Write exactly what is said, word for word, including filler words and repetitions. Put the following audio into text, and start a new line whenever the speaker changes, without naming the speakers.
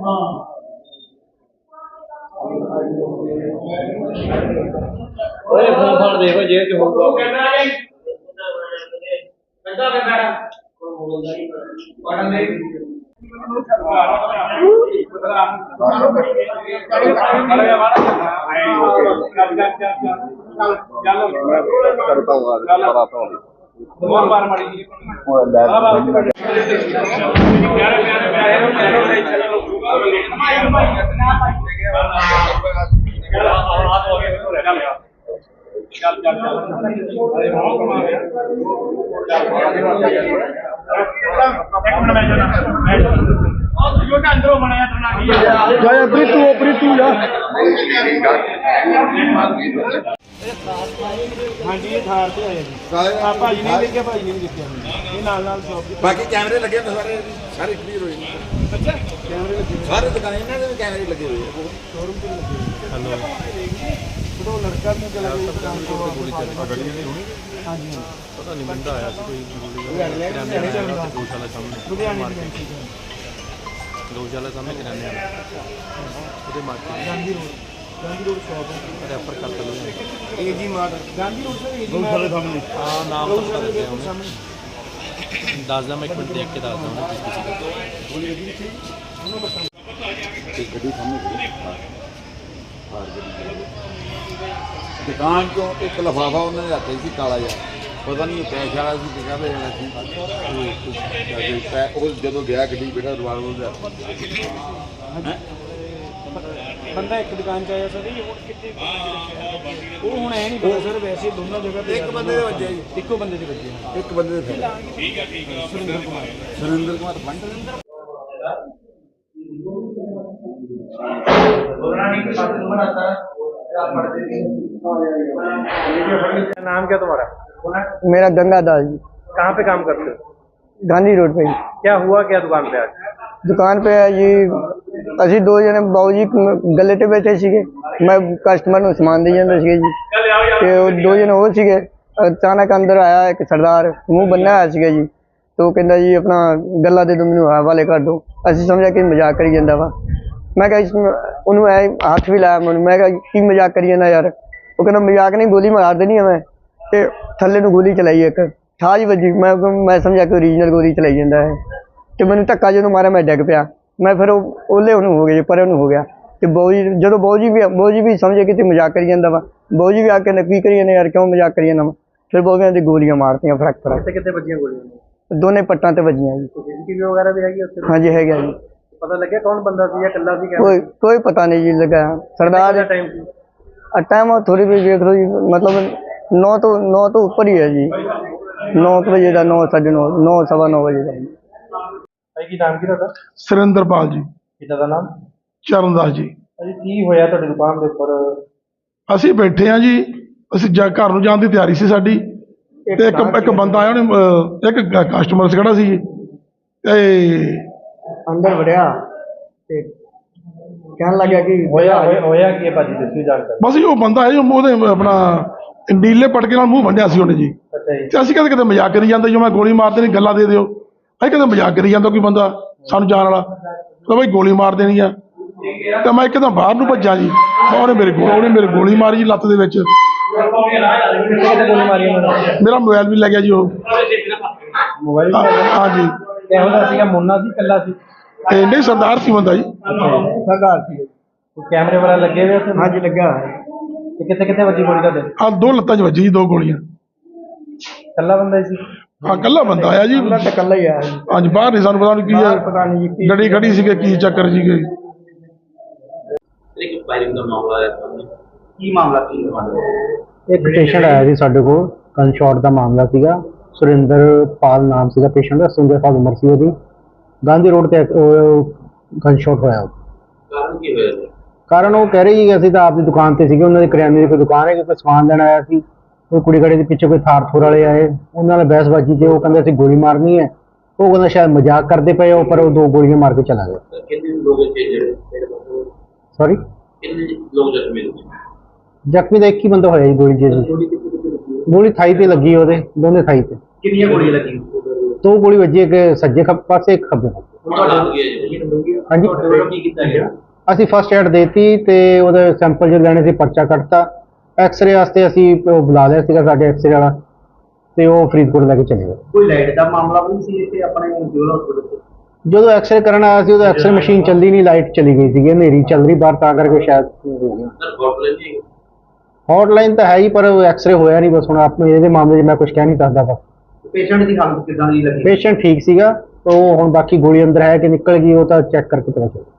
ओए फोन फान देखो जेब च होगा
प्रीतू प्रीतू जा हाँ जी थार से आए भाजी नहीं देखिया भाजी नहीं देखिया ये नाल नाल शॉप
बाकी कैमरे लगे होंगे सारे सारे क्लियर हो जाएंगे।
अच्छा कैमरे लगे
सारे दुकानें इन्हां दे कैमरे लगे हुए हैं
शोरूम पे लगे हेलो तो लड़का ने चला गया दुकान को गोली चली गली नहीं होनी हां जी पता नहीं बंदा आया सी कोई गौशाला सामने गौशाला सामने किराने वाला ਉਹਦੇ market Gandhi road Gandhi road shop refer ਕਰ ਦਿਓ ਏਜੀ ਮਾਰਟ ਗਾਂਧੀ ਰੋਡ ਸੇ ਏਜੀ ਗੌशाला ਸਾਹਮਣੇ ਹਾਂ ਨਾਮ ਪਤਾ ਲੱਗਿਆ ਉਹਨੇ ਦੱਸਦਾ ਮੈਂ ਇੱਕ ਮਿੰਟ ਦੇਖ ਕੇ ਦੱਸਦਾ ਉਹਨੇ ਕਿਸ ਕਿਸੇ ਦਾ ਗੋਲੀ ਲੱਗੀ ਸੀ ਉਹਨੂੰ ਬਤਾ ਇੱਕ ਗੱਡੀ ਸਾਹਮਣੇ
दुकान चो एक लिफाफा उन्होंने रखा सी काला जिहा पता नहीं कैश वाला सी कि कहते जाना सी जो गया गड्डी बेटा रिवाल्वर
बंदा एक दुकान च आया सर वो हुण ऐ नहीं पता सर वैसे दोनों जगह पे
एक बंदे दे वजे
इक्को बंदे दे वजे
एक बंदे दे ठीक है ठीक है सुरेंद्र कुमार सुरेंद्र कुमार फंड
नाम क्या तुम्हारा?
मेरा गंगा दास जी।
कहाँ पे काम करते हो?
गांधी रोड पे।
क्या हुआ क्या दुकान पे आज?
दुकान पे जी असी दो जने बाबू जी गले ते बैठे सीगे, मैं कस्टमर नूं समान दे जांदा सीगा जी ते दो जने हो सीगे। अचानक अंदर आया एक सरदार मुँह बन्ना आया सीगा जी तो कहंदा जी अपना गल्ला दे दो मैनूं हवाले कर दो। असीं समझा कि मजाक करी जांदा वा। मैं कहा उन्होंने ऐ हाथ भी लाया मैं मैं कहा की मजाक करी जाना यार। वो कहना मजाक नहीं गोली मार देनी है मैं ते थल्ले नूं गोली चलाई एक ठाज बजी। मैं मैं समझा कि ओरिजिनल गोली चलाई जाता है तो मैंने धक्का जो मारा मैं डिग पिया। मैं फिर ओले उन्होंने हो गया पर उन्होंने हो गया तो बाऊ जी जो बाऊ जी भी बाऊ जी भी समझे कि मजाक करी जाता वा। बाऊ जी भी आके की करी जाने यार क्यों मजाक करी जाना। फिर बाऊ कहते गोलियां मारती फरक फरक
कितने बजियां गोलियां
दोनों पट्टां ते बजियां जी।
सीसीटीवी वगैरह भी हैगी उत्थे?
हाँ जी है जी।
पता लगे कौन बंदा सी या कल्ला सी?
कोई कोई पता नहीं जी लगा। सरदार
टाइम
टाइम थोड़ी भी देख लो जी मतलब नौ तो नौ तो ऊपर ही है जी। नौ बजे का नौ साढ़े नौ नौ सवा नौ बजे का।
की नाम की था?
सुरेंद्रपाल जी।
पिता का नाम?
चरणदास जी।
अजी की होया तुहाडी दुकान दे उपर?
ਅਸੀਂ ਬੈਠੇ ਆ ਜੀ ਅਸੀਂ ਜਾ ਘਰ ਨੂੰ ਜਾਣ ਦੀ ਤਿਆਰੀ ਸੀ ਸਾਡੀ ਤੇ ਇੱਕ ਇੱਕ ਬੰਦਾ ਆਇਆ ਉਹਨੇ ਇੱਕ ਕਸਟਮਰ ਖੜਾ ਸੀ ਤੇ
अंदर वड़िया ते कहने लगा कि
होया होया की भाजी दसवी जानकारी
बस ਉਹ ਬੰਦਾ ਹੈ ਜੋ ਉਹਦੇ ਆਪਣਾ ਨੀਲੇ ਪਟਕੇ ਨਾਲ ਮੂੰਹ ਵੰਡਿਆ ਸੀ ਉਹਨੇ ਜੀ।
ਅੱਛਾ ਜੀ।
ਤੇ ਅਸੀਂ ਕਦੇ ਕਦੇ ਮਜ਼ਾਕ ਕਰੀ ਜਾਂਦੇ ਜੋ ਮੈਂ ਗੋਲੀ ਮਾਰ ਦੇਣੀ ਗੱਲਾਂ ਦੇ ਦਿਓ। ਅਸੀਂ ਕਦੇ ਮਜ਼ਾਕ ਕਰੀ ਜਾਂਦਾ ਕੋਈ ਬੰਦਾ ਸਾਨੂੰ ਜਾਣ ਵਾਲਾ ਤਾਂ ਬਈ ਗੋਲੀ ਮਾਰ ਦੇਣੀ ਆ ਤੇ ਮੈਂ ਇੱਕਦਮ ਬਾਹਰ ਨੂੰ ਭੱਜਾ ਜੀ। ਉਹਨੇ ਮੇਰੇ ਕੋਲ ਉਹਨੇ ਮੇਰੇ ਗੋਲੀ ਮਾਰੀ ਜੀ ਲੱਤ ਦੇ ਵਿੱਚ। ਮੇਰਾ ਮੋਬਾਈਲ ਵੀ ਲੱਗਿਆ ਜੀ ਉਹ
मोबाइल
हाँ जी।
मुन्ना सी कल्ला सी?
नहीं सरदार सी बंदा जी।
सरदार सी।
कैमरे वाला लगे हुए थे?
हाँ जी लगा है।
कितने कितने बजी गोली का?
हाँ दो लत्तां च वजी दो गोलियां।
कल्ला बंदा सी?
हाँ कल्ला बंदा आया जी।
कल्ला ही आया जी।
हाँ जी बाहर नहीं सानू पता नहीं की है गड्डी खड़ी सी की चक्कर सी गई।
एक पेशेंट आया जी साडे कोल गन शॉट का मामला सीगा। सुरेंद्रपाल नाम सीगा पेशेंट का। सुरेंद्र साल उम्र सी ओदी। गांधी रोड ते गन शॉट होया। कारण की होया? कारण वो कह रही है तो आपकी दुकान से उन्होंने करियाने की कोई दुकान है कोई समान लेना आया सी। कोई कुड़ी खड़ी के पिछे कोई थार थोर वाले आए उन्होंने बहसबाजी से वो कहते गोली मारनी है। वो कहते शायद मजाक करते पे हो पर वो दो गोलियां मार के चला गया। सॉरी जख्मी तो एक ही बंदा होया जी गोली जी। गोली थाई ते लगी ओदे दोनों थाई ते।
कितनी गोली लगी?
दो गोली वजी एक सज्जे खब्बे पासे एक खब्बे पासे। ਹਾਂਜੀ ਅਸੀਂ ਫਸਟ ਐਡ ਦੇਤੀ ਤੇ ਉਹਦੇ ਸੈਂਪਲ ਜੋ ਲੈਣੇ ਸੀ ਪਰਚਾ ਕੱਟਤਾ। ਐਕਸਰੇ ਵਾਸਤੇ ਅਸੀਂ ਉਹ ਬੁਲਾ ਲਿਆ ਸੀਗਾ ਸਾਡੇ ਐਕਸਰੇ ਵਾਲਾ ਤੇ ਉਹ ਫਰੀਦਕੋਟ ਲੈ ਕੇ ਚਲੇ ਗਏ।
ਕੋਈ ਲਾਈਟ ਦਾ ਮਾਮਲਾ ਵੀ ਸੀ ਇੱਥੇ ਆਪਣੇ ਸਿਵਲ ਹਸਪੀਟਲ 'ਚ?
ਜਦੋਂ ਐਕਸਰੇ ਕਰਨ ਆਇਆ ਸੀ ਉਦੋਂ ਐਕਸਰੇ ਮਸ਼ੀਨ ਚੱਲਦੀ ਨਹੀਂ, ਲਾਈਟ ਚਲੀ ਗਈ ਸੀਗੀ, ਹਨੇਰੀ ਚੱਲ ਰਹੀ ਬਾਹਰ, ਤਾਂ ਕਰਕੇ ਸ਼ਾਇਦ ਹੋ ਗਿਆ। ਹੌਟਲਾਈਨ ਤਾਂ ਹੈ ਹੀ ਪਰ ਐਕਸਰੇ ਹੋਇਆ ਨਹੀਂ। ਬਸ ਹੁਣ ਆਪਣੇ ਇਹਦੇ ਮਾਮਲੇ 'ਚ ਮੈਂ ਕੁਝ ਕਹਿ ਨਹੀਂ ਸਕਦਾ। ਬਸ
ਪੇਸ਼ੈਂਟ ਦੀ ਹਾਲਤ ਕਿੱਦਾਂ ਦੀ ਲੱਗੀ?
ਪੇਸ਼ੈਂਟ ਠੀਕ ਸੀਗਾ, ਉਹ ਹੁਣ ਬਾਕੀ ਗੋਲੀ ਅੰਦਰ ਹੈ ਕਿ ਨਿਕਲ ਗਈ ਉਹ ਤਾਂ ਚੈੱਕ ਕਰਕੇ ਪਤਾ ਚੱਲੇਗਾ।